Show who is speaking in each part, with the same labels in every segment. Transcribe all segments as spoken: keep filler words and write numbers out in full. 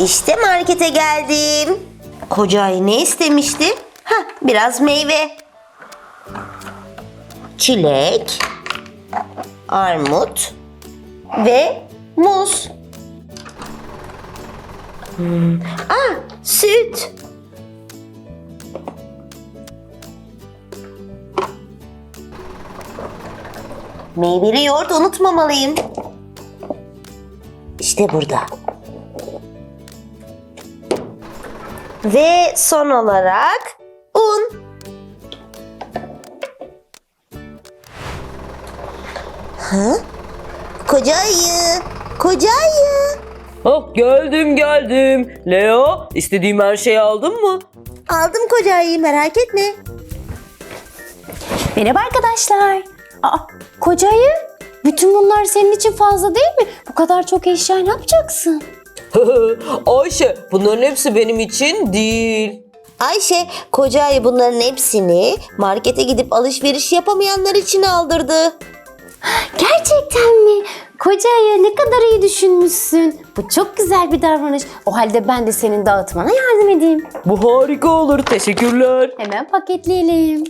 Speaker 1: İşte markete geldim. Koca ayı ne istemişti? Hah, biraz meyve. Çilek, armut ve muz. Hmm. Aa, süt. Meyveli yoğurt unutmamalıyım. İşte burada. Ve son olarak un. Ha? Koca ayı, koca ayı.
Speaker 2: Ah, geldim geldim. Leo, istediğim her şeyi aldın mı?
Speaker 1: Aldım koca ayıyı, merak etme.
Speaker 3: Merhaba arkadaşlar. Aa, koca ayı, bütün bunlar senin için fazla değil mi? Bu kadar çok eşya ne yapacaksın?
Speaker 2: Ayşe, bunların hepsi benim için değil.
Speaker 1: Ayşe, koca ayı bunların hepsini markete gidip alışveriş yapamayanlar için aldırdı.
Speaker 3: Gerçekten mi? Koca ayı, ne kadar iyi düşünmüşsün. Bu çok güzel bir davranış. O halde ben de senin dağıtmana yardım edeyim.
Speaker 2: Bu harika olur, teşekkürler.
Speaker 3: Hemen paketleyelim.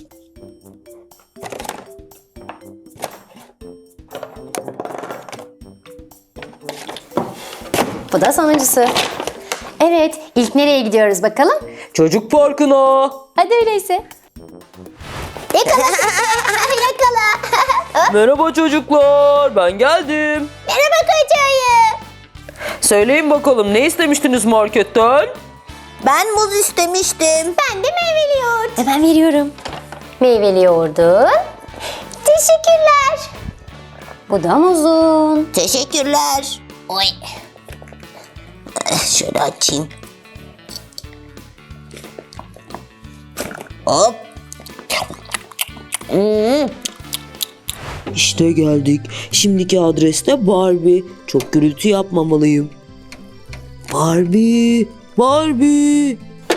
Speaker 3: Bu da sonuncusu. Evet, ilk nereye gidiyoruz bakalım?
Speaker 2: Çocuk parkına.
Speaker 3: Hadi öyleyse. Yakala, yakala.
Speaker 2: Merhaba çocuklar, ben geldim.
Speaker 3: Merhaba koca ayı.
Speaker 2: Söyleyin bakalım, ne istemiştiniz marketten?
Speaker 1: Ben muz istemiştim.
Speaker 3: Ben de meyveli yoğurt. Hemen veriyorum. Meyveli yoğurdun. Teşekkürler. Bu da muzun.
Speaker 1: Teşekkürler. Oy. Şöyle açayım. Hop. Hmm.
Speaker 2: İşte geldik. Şimdiki adreste Barbie. Çok gürültü yapmamalıyım. Barbie, Barbie.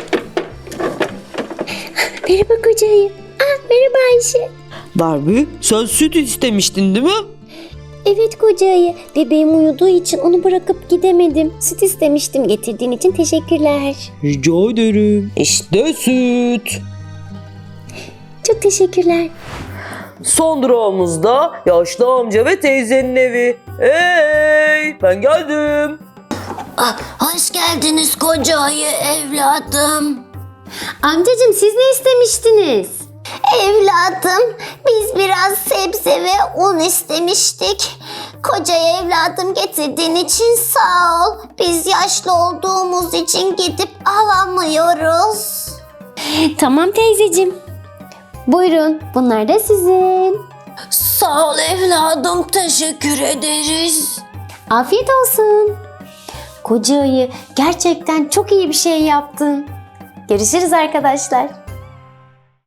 Speaker 3: Merhaba koca ayı. Ah, merhaba Ayşe.
Speaker 2: Barbie, sen süt istemiştin değil mi?
Speaker 3: Evet koca ayı. Bebeğim uyuduğu için onu bırakıp gidemedim. Süt istemiştim. Getirdiğin için teşekkürler.
Speaker 2: Rica ederim. İşte süt.
Speaker 3: Çok teşekkürler.
Speaker 2: Son durağımızda yaşlı amca ve teyzenin evi. Hey, ben geldim.
Speaker 1: Ah, hoş geldiniz koca ayı evladım.
Speaker 3: Amcacığım, siz ne istemiştiniz?
Speaker 4: Evladım, biz biraz sebze ve un istemiştik. Koca evladım, getirdiğin için sağ ol. Biz yaşlı olduğumuz için gidip alamıyoruz.
Speaker 3: Tamam teyzeciğim. Buyurun, bunlar da sizin.
Speaker 4: Sağ ol evladım, teşekkür ederiz.
Speaker 3: Afiyet olsun. Koca ayı, gerçekten çok iyi bir şey yaptın. Görüşürüz arkadaşlar.